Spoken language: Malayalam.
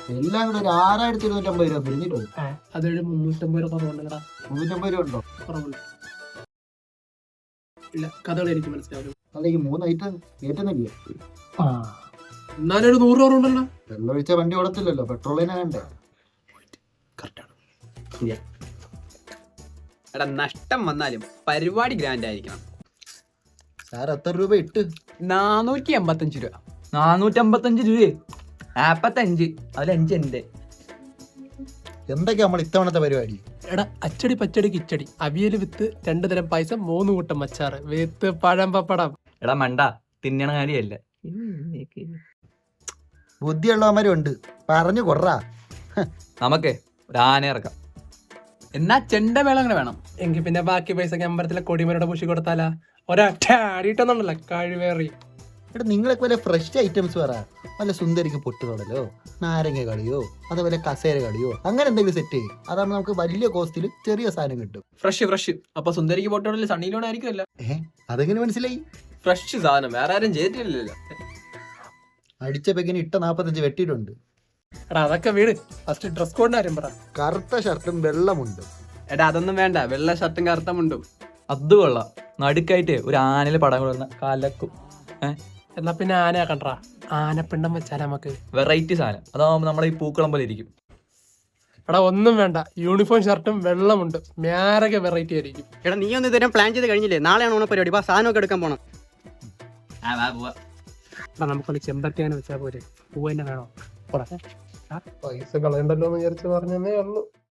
എല്ലാം കൂടെ ഒരു 6250 രൂപ പിരിഞ്ഞിട്ടുണ്ട്. അതൊരു 350 രൂപ കുറവുണ്ടല്ലടാ. 350 രൂപ ഉണ്ടോ? കുറവുണ്ട്. ഇല്ല, കഥകൾ എനിക്ക് മനസ്സിലാവും. അല്ല, ഈ 3 ഐറ്റം കയറ്റുന്നില്ലേ? എന്നാലും ഒരു 100 രൂപ ഉണ്ടല്ലോ. വെള്ളം ഒഴിച്ച വണ്ടി ഓടത്തില്ലല്ലോ, പെട്രോളിനെ വേണ്ടേ? കറക്റ്റാണ്. എടാ, നഷ്ടം വന്നാലും പരിപാടി ഗ്രാൻഡ് ആയിരിക്കണം. സാർ എത്ര രൂപ ഇട്ട്? 485 രൂപ. 455 രൂപയെ 45, അതിൽ 5 എന്റെ. എന്തൊക്കെയാ നമ്മൾ ഇത്തവണത്തെ പരിപാടി? എടാ, അച്ചടി പച്ചടി കിച്ചടി, അവിയൽ വിത്ത് 2 തരം പായസം, 3 കൂട്ടം അച്ചാറ്, വേത്ത് പഴം പപ്പടം. എടാ മണ്ട, തിന്നണ കാര്യമല്ല. ബുദ്ധിയുള്ളവന്മാരും ഉണ്ട്, പറഞ്ഞു കൊറാ. നമുക്ക് ഒരു ആന ഇറക്കാം. എന്നാ ചെണ്ട മേളം അങ്ങനെ വേണം. എങ്കിൽ പിന്നെ ബാക്കി പൈസ അമ്പലത്തിലെ കൊടിമരയുടെ പൂശി കൊടുത്താലാ? ഒരൊറ്റ അടിയിട്ടൊന്നുണ്ടല്ലോ കഴിവേറി. എടാ, നിങ്ങളൊക്കെ വല്ല ഫ്രഷ് ഐറ്റംസ് പറ. വല്ല സുന്ദരിക്ക് പൊട്ടുതൊടലോ, നാരങ്ങ കളിയോ, അതുപോലെ കസേര കളിയോ, അങ്ങനെ എന്തെങ്കിലും സെറ്റ് ചെയ്യും. അതാകുമ്പോൾ നമുക്ക് വലിയ കോസ്റ്റിൽ ചെറിയ സാധനം കിട്ടും. ഫ്രഷ്. അപ്പൊ സുന്ദരിക്ക് പൊട്ടോടില്ല സണ്ണിയിലൂടെ ആയിരിക്കുമല്ലോ. അതെങ്ങനെ മനസ്സിലായി? ഫ്രഷ് സാധനം വേറെ ആരും ചെയ്തിട്ടില്ലല്ലോ. അടിച്ച പെക്കിന് ഇട്ട 45 വെട്ടിയിട്ടുണ്ട്. എടാ, അതൊക്കെ വീട്. ഫസ്റ്റ് ഡ്രസ് കോഡിന്റെ കാര്യം പറ. കറുത്ത ഷർട്ടും വെള്ളമുണ്ട്. എടാ, അതൊന്നും വേണ്ട. വെള്ള ഷർട്ടും കറുത്ത മുണ്ടും. അത് കൊള്ളാം. നടുക്കായിട്ട് ഒരു ആനയിലെ പടം കൊള്ളുന്ന കലക്കും. എന്നാ പിന്നെ ആന ആക്കണ്ടാ. ആനപ്പിണ്ടം വെച്ചാൽ നമുക്ക് വെറൈറ്റി സാധനം. അതാവുമ്പോൾ നമ്മളെ ഈ പൂക്കളം പോലെ ഇരിക്കും. എടാ, ഒന്നും വേണ്ട. യൂണിഫോം ഷർട്ടും വെള്ളമുണ്ട്. മേരക വെറൈറ്റി ആയിരിക്കും. എടാ, നീ ഒന്ന് ഇതുവരെ പ്ലാൻ ചെയ്ത് കഴിഞ്ഞില്ലേ? നാളെയാണ് ഓണ പരിപാടി. സാധനമൊക്കെ എടുക്കാൻ പോണം. എടാ, നമുക്കൊന്ന് ചെമ്പരത്തിയാനെ വെച്ചാൽ പോരെ? പൂ തന്നെ വേണോ? പൈസ കളയണ്ടല്ലോ എന്ന് വിചാരിച്ച് പറഞ്ഞതേ ഉള്ളൂ.